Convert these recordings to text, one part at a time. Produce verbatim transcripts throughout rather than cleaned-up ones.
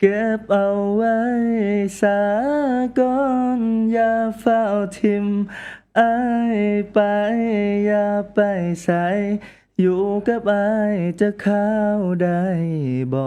เก็บเอาไว้สาก่อนอย่าเฝ้าทิมอายไปอย่าไปใส่อยู่กับอายจะเข้าได้บ่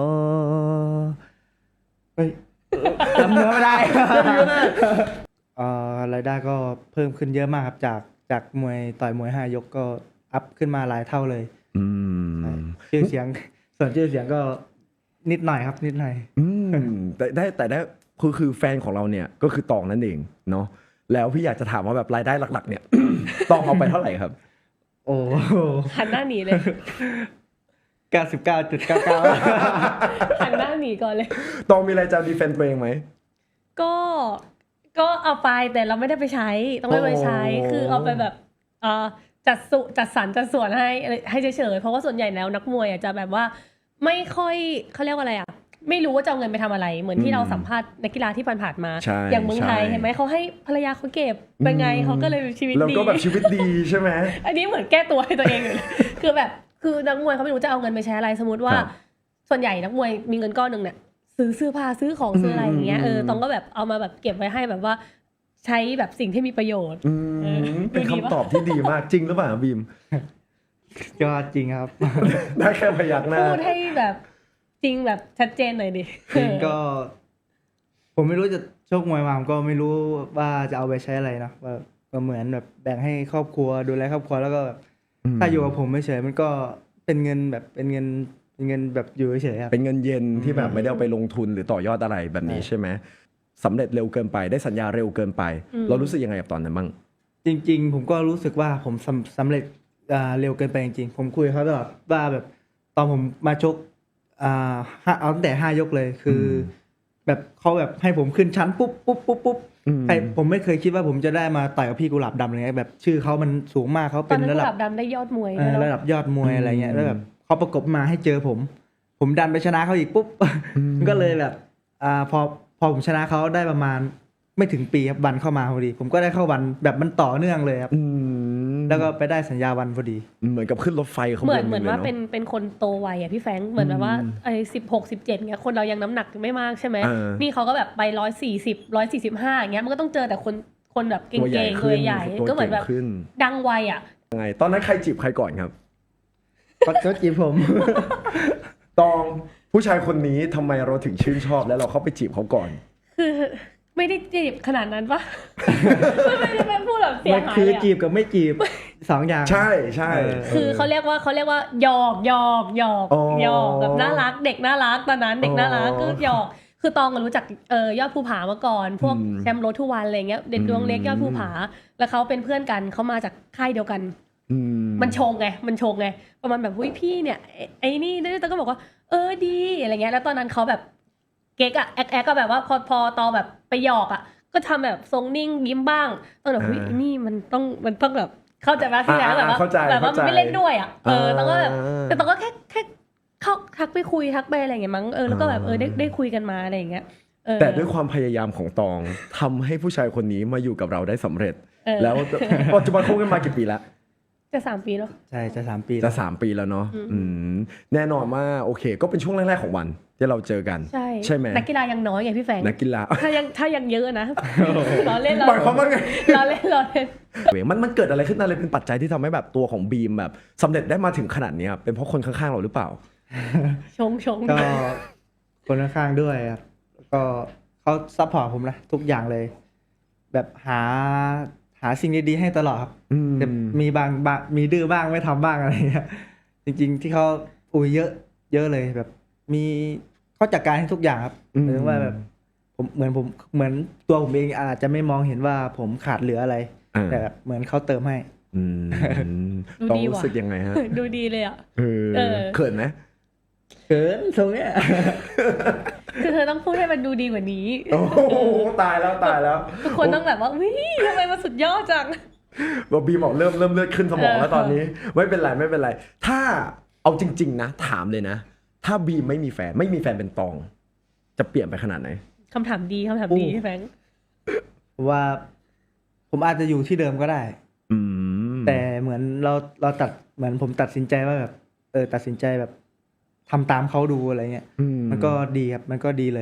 เฮ้ยจำเนื้อไม่ได้ เอ่อรายได้ก็เพิ่มขึ้นเยอะมากครับจากจากมวยต่อยมวยห้ายกก็อัพขึ้นมาหลายเท่าเลยอืมชื่อเสียง ส่วนชื่อเสียงก็นิดหน่อยครับนิดหน่อยอืมแต่ได้แต่ได้คือคือแฟนของเราเนี่ยก็คือตองนั่นเองเนาะแล้วพี่อยากจะถามว่าแบบรายได้หลักๆ เนี่ย ตองเอาไปเท่าไหร่ครับโอ้หันหน้าหนีเลยเก้าสิบเก้าจุดเก้าเก้าหันหน้าหนีก่อนเลยตองมีอะไรจะดีเฟนต์ตัวเองไหมก็ก็เอาไปแต่เราไม่ได้ไปใช้ ต้องไม่ไปใช้โอ้คือเอาไปแบบเอ่อจัดสุจัดสรรจัดส่วนให้ให้เฉยๆเพราะว่าส่วนใหญ่แล้วนักมวยอ่ะจะแบบว่าไม่ค่อยเขาเรียกว่าอะไรอ่ะไม่รู้ว่าจะเอาเงินไปทำอะไร เหมือนที่เราสัมภาษณ์นักกีฬาที่ผ่านๆมาใช่อย่างเมืองไทยใช่เห็นไหมเขาให้ภรรยาเขาเก็บเป็นไงเขาก็เลยชีวิตแล้วดีก็แบบชีวิตดีใช่ไหมอันนี้เหมือนแก้ตัวให้ตัวเองอยู่เลย คือแบบคือนักมวยเขาไม่รู้จะเอาเงินไปใช้อะไรสมมติว่าครับส่วนใหญ่นักมวยมีเงินก้อนหนึ่งเนี่ยซื้อเสื้อผ้าซื้อของซื้ออะไรอย่างเงี้ยอืมเออตองก็แบบเอามาแบบเก็บไว้ให้แบบว่าใช้แบบสิ่งที่มีประโยชน์อืเออมเป็นดูดีปะคำตอบที่ดีมากจริงหรือเปล่าบีมยอดจริงครับได้แค่พยักหน้าพูดให้แบบจริงแบบชัดเจนหน่อยดิจริงก็ ผมไม่รู้จะโชคมวยมาผมก็ไม่รู้ว่าจะเอาไปใช้อะไรเนาะว่าก็เหมือนแบบแบ่งให้ครอบครัวดูแลครอบครัวแล้วก็แบบอืมถ้าอยู่กับผมไม่เฉยมันก็เป็นเงินแบบเป็นเงินเป็นเงินแบบอยู่เฉยๆครับเป็นเงินเย็นที่แบบไม่ได้เอาไปลงทุนหรือต่อยอดอะไรแบบนี้ใช่ไหมสำเร็จเร็วเกินไปได้สัญญาเร็วเกินไปอืมเรารู้สึกยังไงกับตอนนั้นบ้างจริงๆ ผมก็รู้สึกว่าผมสำสำเร็จอ่าเร็วเกินไปจริงๆ ผมคุยกับเขาตลอดว่าแบบตอนผมมาชกอ่าห้าเอาตั้งแต่ห้ายกเลยคืออมแบบเขาแบบให้ผมขึ้นชั้นปุ๊บปุ๊บปุ๊บปุ๊บอืมใครผมไม่เคยคิดว่าผมจะได้มาต่อยกับพี่กุหลาบดำอะไรเงี้ยแบบชื่อเขามันสูงมากเขาตอเป็น นนั้นระกุดัหบลาบดำได้ยอดมวยเออนะระดับยอดมวยอืมอะไรเงี้ยแล้วแบบเขาประกบมาให้เจอผม ผมดันไปชนะเขาอีกปุ๊บอืมก็เลยแบบอ่าพอพอผมชนะเขาได้ประมาณไม่ถึงปีครับวันเข้ามาพอดี ผมก็ได้เข้าวันแบบมันต่อเนื่องเลยครับอืมแล้วก็ไปได้สัญญาวันพอดีเหมือนกับขึ้นรถไฟขบวนเหมือนเหมือนลยว่าอะเป็นเป็นคนโตวัยอ่ะพี่แฟรงค์เหมือนแบบว่าไอ้สิบหกสิบเจ็ดเงี้ยคนเรายังน้ำหนักไม่มากใช่ไหมเออนี่เขาก็แบบไปร้อยสี่สิบร้อยสี่สิบห้าอย่างเงี้ยมันก็ต้องเจอแต่คนคนแบบเก่ตัวใหญ่งๆขึ้ตัวน ใหญ่ตัวก็เหมือนแบบเก่งขึ้นดังวัยอ่ะยังไงตอนนั้นใครจีบใครก่อนครับก็ก็จีบผมตองผู้ชายคนนี้ทำไมเราถึงชื่นชอบแล้วเราเข้าไปจีบเขาก่อนคือไม่ได้จีบขนาดนั้นปะ ไม่ได้เป็นพูดแบบเสียมันหายคือเลยอะจีบกับไม่จีบ สองอย่างใช่ใช่เออคือเขาเรียกว่าเขาเรียกว่าหยอกหยอกหยอกอ๋อหยอกแบบน่ารักเด็กน่ารักตอนนั้นเด็กน่ารักอ๋อก็หยอกคือตองก็รู้จักเอ่อยอดภูผามาก่อน พวกอืมแชมป์รถทุกวันอะไรเงี้ยเด็กอืมดวงเล็กยอดภูผา แล้วเขาเป็นเพื่อนกันเขามาจากค่ายเดียวกันอืมันชงไงมันชงไงประมาณแบบหุ้ยพี่เนี่ยไอ้ไอ้นี่ด้วยตองก็บอกว่าเออดีอะไรเงี้ยแล้วตอนนั้นเขาแบบเก๊กอะแอ๊กแอ๊กก็แบบว่าพอพอตอแบบไปหยอกอะก็ทำแบบทรงนิ่งยิ้มบ้างตองแบบหุ้ยไอ้นี่มันต้องมันต้องแบบเข้าใจไหมพี่แจ๊คแบบว่าเข้าใจแบบว่ามันไม่เล่นด้วยอะเออตองก็แบบอ่าแต่ตองก็แค่แค่เข้าทักไปคุยทักไปอะไรอย่างเงี้ยมั้งเออแล้วก็แบบเออได้ได้คุยกันมาอะไรอย่างเงี้ยเออแต่ด้วยความพยายามของตองทำให้ผู้ชายคนนี้มาอยู่กับเราได้สำเร็จเออแล้วปัจจุบันคบกันมากี่ปีแล้วจะสามปีแล้วใช่จะสามปีจะแล้วสามปีแล้วเนาะอืมอืมแน่นอนว่าโอเค ก็เป็นช่วงแรกๆของวันที่เราเจอกันใช่ใช่ไหมนักกีฬายังน้อยไงพี่แฟงนักกีฬาถ้ายังถ้ายังเยอะนะล้อเล่นล้อหมายความว่าไงล้อเล่นล้อเล่นมันมันเกิดอะไรขึ้นอะไรเป็นปัจจัยที่ทำให้แบบตัวของบีมแบบสำเร็จได้มาถึงขนาดนี้ครับเป็นเพราะคนข้างๆเราหรือเปล่าชงชงก็คนข้างๆด้วยครับแล้วก็เขาซัพพอร์ตผมนะทุกอย่างเลย แบบหาหาสิ่งดีๆให้ตลอดครับอืมแต่มีบางบางมีดื้อบ้างไม่ทำบ้างอะไรเงี้ยจริงๆที่เขาอุ้ยเยอะ เยอะเลยแบบ มีเขาจัดการให้ทุกอย่างครับหมายถึงว่าแบบผมเหมือนผมเหมือนตัวผมเองอาจจะไม่มองเห็นว่าผมขาดเหลืออะไรอ่าแต่แบบเหมือนเขาเติมให้อืมดูต้องดีรู้ว่ะสึกยังไงฮะดูดีเลยอ่ะเออเออเขินไหมเขินตรงเนี้ยคือเธอต้องพูดให้มันดูดีกว่านี้โอ้โหตายแล้วตายแล้วทุกคนต้องแบบว่าวิทำไมมันสุดยอดจังบอกบีมบอกเริ่มเริ่มเลือดขึ้นสมองแล้วตอนนี้ ไม่เป็นไรไม่เป็นไร ถ้าเอาจริง ๆ นะ ถามเลยนะ ถ้าบีมไม่มีแฟนไม่มีแฟนเป็นตอง จะเปลี่ยนไปขนาดไหนคำถามดีคำถามดีโอ้พี่แฟงผมว่า ผมอาจจะอยู่ที่เดิมก็ได้อืมแต่เหมือนเราเราตัดเหมือนผมตัดสินใจว่าแบบ เออตัดสินใจแบบทำตามเขาดูอะไรเงี้ยอืมันก็ดีครับ มันก็ดีเลย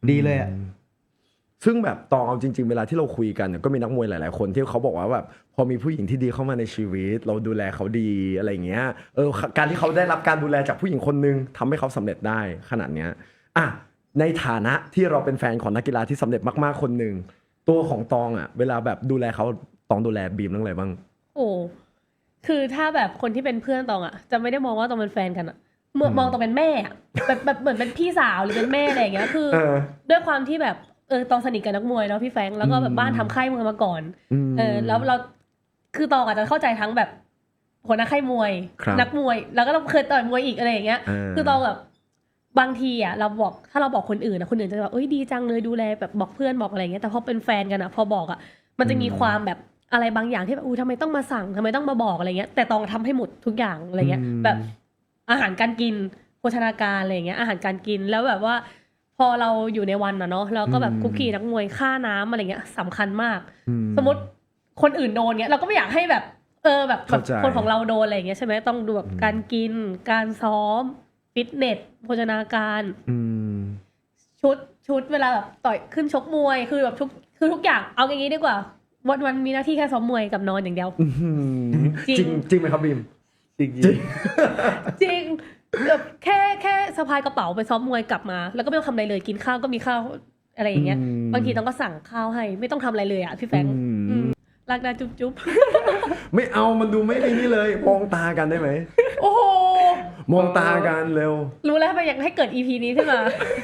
ดีเลยอ่ะซึ่งแบบตองเอาจริงๆเวลาที่เราคุยกันเนี่ยก็มีนักมวยหลายๆคนที่เขาบอกว่าแบบพอมีผู้หญิงที่ดีเข้ามาในชีวิต เราดูแลเขาดีอะไรอย่างเงี้ยเออการที่เขาได้รับการดูแลจากผู้หญิงคนนึงทำให้เขาสำเร็จได้ขนาดเนี้ยอ่ะในฐานะที่เราเป็นแฟนของนักกีฬาที่สำเร็จมากๆคนหนึ่งตัวของตองอ่ะเวลาแบบดูแลเขาตองดูแลบีมเรื่องอะไรบ้างโอ้คือถ้าแบบคนที่เป็นเพื่อนตองอะจะไม่ได้มองว่าตองเป็นแฟนกันอะเมื่อมองตองเป็นแม่อะแบบแบบเหมือนเป็นพี่สาวหรือเป็นแม่อะไรอย่างเงี้ยคือเออด้วยความที่แบบเออตองสนิทกับนักมวยเนาะพี่แฟรงค์แล้วก็แบบบ้านทำค่ายมวยมาก่อนอืมเออแล้วเราคือตองอาจจะเข้าใจทั้งแบบหัวหน้าค่ายมวยครับนักมวย แล้วก็เราเคยต่อยมวยอีกอะไรอย่างเงี้ยอ่าคือตองแบบบางทีอ่ะเราบอกถ้าเราบอกคนอื่นนะคนอื่นจะแบบเอ้ยดีจังเลยดูแลแบบบอกเพื่อนบอกอะไรอย่างเงี้ยแต่พอเป็นแฟนกันอ่ะพอบอกอ่ะมันจะมีความแบบอะไรบางอย่างที่แบบอู้ทำไมต้องมาสั่งทำไมต้องมาบอกอะไรเงี้ยแต่ตองทำให้หมดทุกอย่างอะไรเงี้ยอืมแบบอาหารการกินโภชนาการอะไรอย่างเงี้ยอาหารการกินแล้วแบบว่า พอเราอยู่ในวันอะเนาะเราก็แบบคุกกี้นักมวยค่าน้ำอะไรเงี้ยสำคัญมากอืมสมมติคนอื่นโดนเงี้ยเราก็ไม่อยากให้แบบเออแบบแบบเข้าใจคนของเราโดนอะไรอย่างเงี้ยใช่ไหมต้องดูแบบการกินการซ้อมฟิตเนสโภชนาการอืมชุดชุดเวลาแบบต่อยขึ้นชกมวยคือแบบทุกคือทุกอย่างเอาอย่างงี้ดีกว่าวันวันมีหน้าที่แค่ซ้อมมวยกับนอนอย่างเดียว จริงจริงจริงไหมครับบีมจริงจริงจริงแบบแค่แค่สะพายกระเป๋าไปซ้อมมวยกลับมา แล้วก็ไม่ต้องทำอะไรเลยกินข้าวก็มีข้าวอะไรอย่างเงี้ยอืมบางทีต้องก็สั่งข้าวให้ไม่ต้องทำอะไรเลยอ่ะพี่แฟรงค์อืมอืมรักนะจุ๊บจุ๊บไม่เอามันดูไม่ไอ้นี่เลย มองตากันได้ไหมโอ้โหมองตากันเร็วรู้แล้วทำไมอยากให้เกิด อี พี นี้ขึ้นมา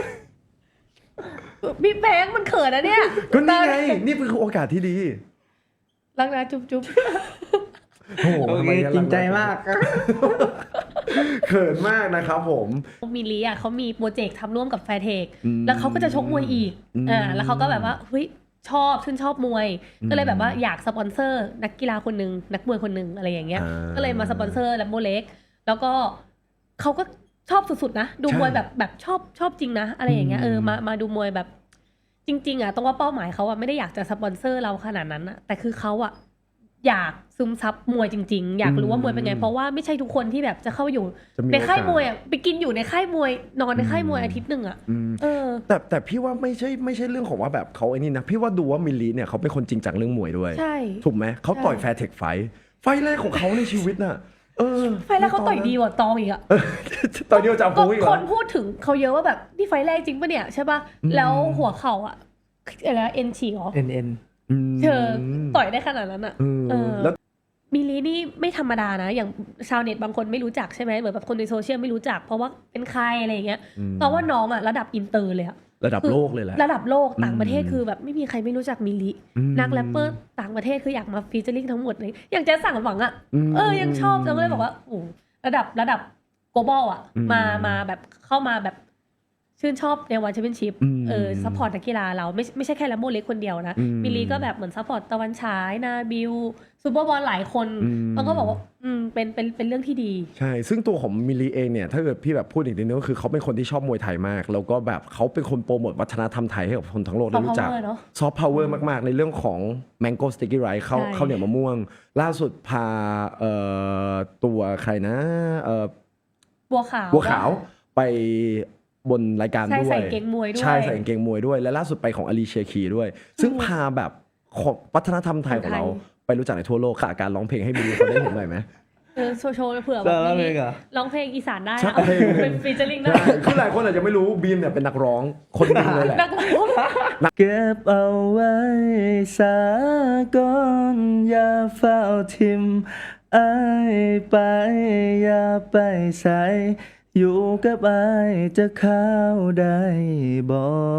พี่แบงค์มันเขินนะเนี่ยก็นี่ไง นี่คือโอกาสที่ดีรักนะจุ๊บจุ๊บโอ้โหโอทำเคไมงั้นจริงใจมากเขินมากนะครับผมมิลลีอ่ะเขามีโปรเจกต์ทำร่วมกับแฟร์เทคอืมแล้วเขาก็จะชกมวยอีกอืมอ่าแล้วเขาก็แบบว่าเฮ้ยชอบชื่นชอบมวยอืมก็เลยแบบว่าอยากสปอนเซอร์ นักกีฬาคนหนึ่งนักมวยคนหนึ่งอะไรอย่างเงี้ยอ่าก็เลยมาสปอนเซอร์แลมโบเล็กแล้วก็เขาก็ชอบสุดๆนะดูใช่มวยแบบแบบชอบชอบจริงนะอะไรอย่างเงี้ยอืมเออมามาดูมวยแบบ จริง ๆอ่ะต้องว่าเป้าหมายเขาอ่ะไม่ได้อยากจะสปอนเซอร์เราขนาดนั้นอ่ะแต่คือเขาอ่ะอยากซึมซับมวยจริง ๆ อยากรู้ว่ามวยเป็นไง เพราะว่าไม่ใช่ทุกคนที่แบบจะเข้าอยู่จะมีในค่ายโอกาสมวยอ่ะไปกินอยู่ในค่ายมวยนอนในค่ายมวยอืมอาทิตย์หนึ่งอ่ะอืมเออแต่แต่พี่ว่าไม่ใช่ไม่ใช่เรื่องของว่าแบบเขาไอ้นี่นะ พี่ว่าดูว่ามิลลีเนี่ยเขาเป็นคนจริงจังเรื่องมวยด้วยใช่ถูกไหม เขาต่อยใช่แฟร์เทคไฟท์ไฟท์แรกของเขาในชีวิตน่ะ เออไฟล์แรกเขาต่อยดีกว่าตองอีกอะเออต่อยเดียวจับก็ฟูอีกเหครอนพูดถึงเขาเยอะว่าแบบนี่ไฟล์แรกจริงปะเนี่ยใช่ปะอืมแล้วหัวเข่าอะอะไรนะเอ็นฉีกเหรอเอ็นเอ็นมเธอต่อยได้ขนาดนั้นอะเออเออแล้วมิลลีนี่ไม่ธรรมดานะ อย่างชาวเน็ตบางคนไม่รู้จักใช่ไหมเหมือนแบบคนในโซเชียลไม่รู้จัก เพราะว่าเป็นใครอะไรอย่างเงี้ยอืมเพราะว่าน้องอะระดับอินเตอร์เลยอะระดับโลกเลยแหละระดับโลกต่างประเทศอืมคือแบบไม่มีใครไม่รู้จักมิลลิอืมนักแรปเปอร์ต่างประเทศคืออยากมาฟีเจอริ่งทั้งหมดเลยอย่างแจ๊สสั่งหวังอะมเออยังชอบจังเลยบอกว่าโอ้ระดับระดับ global อ่ะอืมมามาแบบเข้ามาแบบชื่นชอบในวันแชมเปี้ยนชิพอืมเออซัพพอร์ตนักกีฬาเราไม่ไม่ใช่แค่แลมโบเล็กคนเดียวนะอืมมิลลีก็แบบเหมือนซัพพอร์ตตะวันฉายนาบิลซูเปอร์บอลหลายคนอืมแล้วก็บอกว่าอืมเป็นเป็นเป็นเรื่องที่ดีใช่ ซึ่งตัวของมิลลีเองเนี่ย ถ้าเกิดพี่แบบพูดอีกนิดนึงก็คือเขาเป็นคนที่ชอบมวยไทยมาก แล้วก็แบบเขาเป็นคนโปรโมทวัฒนธรรมไทยให้กับคนทั้งโลกได้ Soft รู้จัก power เนอะซอฟต์พาวเวอร์มาก ๆ ในเรื่องของ Mango Sticky Rice ข้าวใช่ข้าวเหนียวมะม่วง ล่าสุดพาเอ่อตัวใครนะเอ่อบัวขาวบัวขาวไปบนรายการใช่ด้วยใส่เกงมวยด้วยใช่ใส่กางเกงมวยด้วย และล่าสุดไปของอาลีเชียคีด้วย ซึ่งพาแบบของวัฒนธรรมไทยของเราของไทยไปรู้จักในทั่วโลกค่ะการร้องเพลงให้มิลลีเขาได้เห็นหน่อยไหมเออโชว์โชว์เผื่อแบแล้บวแล้วมิลเพลลิงเหรอร้องเพลงอีสานได้ใช่อะเป็นฟีเจอริ่งได้ใช่คือหลายคนอาจจะไม่รู้บีมเนี่ยเป็นนักร้องคนหนึงเลยแหละนักร้องเก็บเอาไว้สาก่อนอย่าเฝ้าทิมอายไปอย่าไปใส่อยู่กับอายจะเข้าได้บ่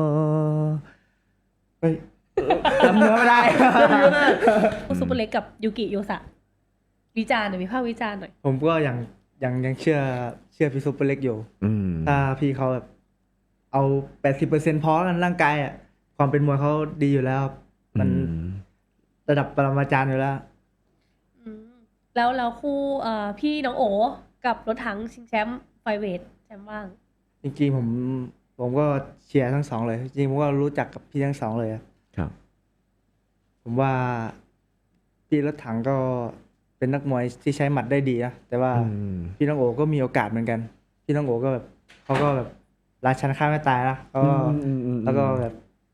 เฮ้ยจำเนื้อไม่ได้ซูเปอร์เล็กกับยูกิโยสะวิจารณ์หน่อยวิพากษ์วิจารณ์หน่อยผมก็ยังยังยังเชื่อเชื่อพี่ซุปเปอร์เล็กอยู่อืมถ้าพี่เขาแบบเอาแปดสิบเปอร์เซ็นต์พอกันร่างกายอ่ะความเป็นมวยเขาดีอยู่แล้วครับมันอืมระดับปรมาจารย์อยู่แล้วอืมแล้วแล้วคู่เอ่อพี่น้องโอกับรถถังชิงแชมป์ไฟเวทแชมป์ว่างจริงๆผมผมก็เชียร์ทั้งสองเลย จริงๆผมก็รู้จักกับพี่ทั้งสองเลยอะครับผมว่าพี่รถถังก็เป็นนักมวยที่ใช้หมัดได้ดีนะแต่ว่าอืมพี่น้องโอก็มีโอกาสเหมือนกัน พี่น้องโอก็แบบเขาก็แบบราชันฆ่าไม่ตายนะก็อืมอืมอืมแล้วก็แบบ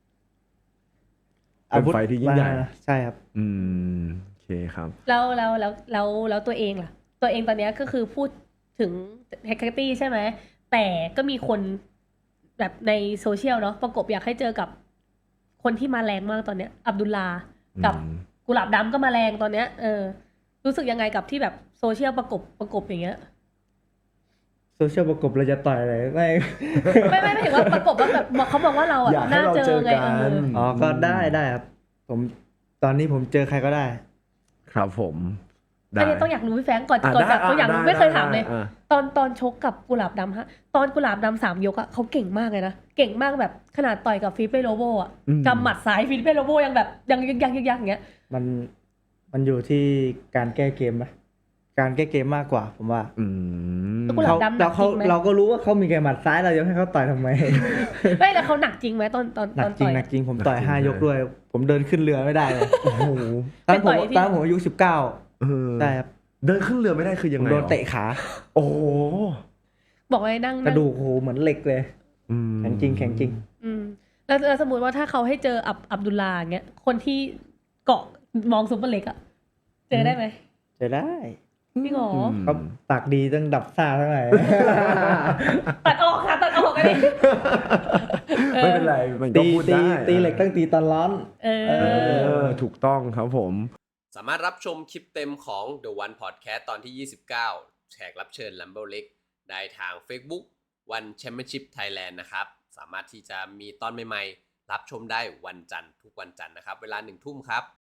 เป็นไฟที่ยิ่งใหญ่มาใช่ครับอืมโอเคครับแล้วแล้วแล้วแล้วแล้วตัวเองล่ะ ตัวเองตอนเนี้ยก็คือพูดถึงแฮกเกอร์ตี้ใช่ไหมแต่ก็มีคนแบบในโซเชียลเนาะประกบอยากให้เจอกับคนที่มาแรงมากตอนเนี้ย อับดุลลากับอืมกุหลาบดำก็มาแรงตอนเนี้ยเออรู้สึกยังไงกับที่แบบโซเชียลประกบประกบอย่างเงี้ยโซเชียลประกบเราจะต่อยอะไรไม่ไม่ไม่ไม่ถึงว่าประกบว่าแบบเขาบอกว่าเราอ่ะอยากให้น่าเราเจเจออไงกันเอออ๋อก็ได้ได้ครับ ผมตอนนี้ผมเจอใครก็ได้ครับผมได้อันนี้ต้องอยากรู้พี่แฟรงก์ก่อนอ่ะก่อนได้จากต้องอยากรู้ได้ไม่เคยได้ถามเลยอ่ะตอนตอนชกกับกุหลาบดำฮะตอนกุหลาบดำสามยกอะเขาเก่งมากเลยนะเก่งมากแบบขนาดต่อยกับฟิลิปเป้โลโบอะอืมกำหมัดซ้ายฟิลิปเป้โลโบยังแบบยังยังยังยังยังอย่างเงี้ยมันมันอยู่ที่การแก้เกมไหมการแก้เกมมากกว่า ผมว่าอืมแล้วกุหลาบดำหนัเรากจเขาริงไหมเราก็รู้ว่าเขามีแกหมัดซ้ายเราจะให้เขาต่อยทำไมไม่แล้วเขาหนักจริงไหมตอนตอนหนัตกอนจริต่งอยหนักจริงผมต่อยหนักจริงห้ายกเลยด้วย ผมเดินขึ้นเรือไม่ได้เลยโอ้โหตอนผมไปต่อยที่ตอนผมอายุสิบเก้าเออใช่ครับเดินขึ้นเรือไม่ได้คือยัผงมไงโดนหรอเตะขาโอ้โหบอกไว้นั่งกระนั่งดูกโหเหมือนเหล็กเลยอืมแข็งจริงแข็งจริงอืมแล้วแล้วสมมติว่าถ้าเขาให้เจออับอับดุลลาอย่างเงี้ยคนที่เกาะมองซุปเปอร์เล็กอะเจอได้ไหมจะได้พี่หงออืมเขาปากดีต้องดับซ่าเท่าไหร่ตัดออกค่ะตัดออกอันนี้ไม่เป็นไรมันก็ตีพูดตีได้ตีเหล็กต้องตีตอนร้อนเอเอออ ถูกต้องครับผมสามารถรับชมคลิปเต็มของ The One Podcast ตอนที่ ยี่สิบเก้า แขกรับเชิญ Lambo Leg ได้ทาง Facebook One Championship Thailand นะครับ สามารถที่จะมีตอนใหม่ๆ รับชมได้วันจันทร์ทุกวันจันทร์นะครับ เวลาหนึ่งทุ่มครับ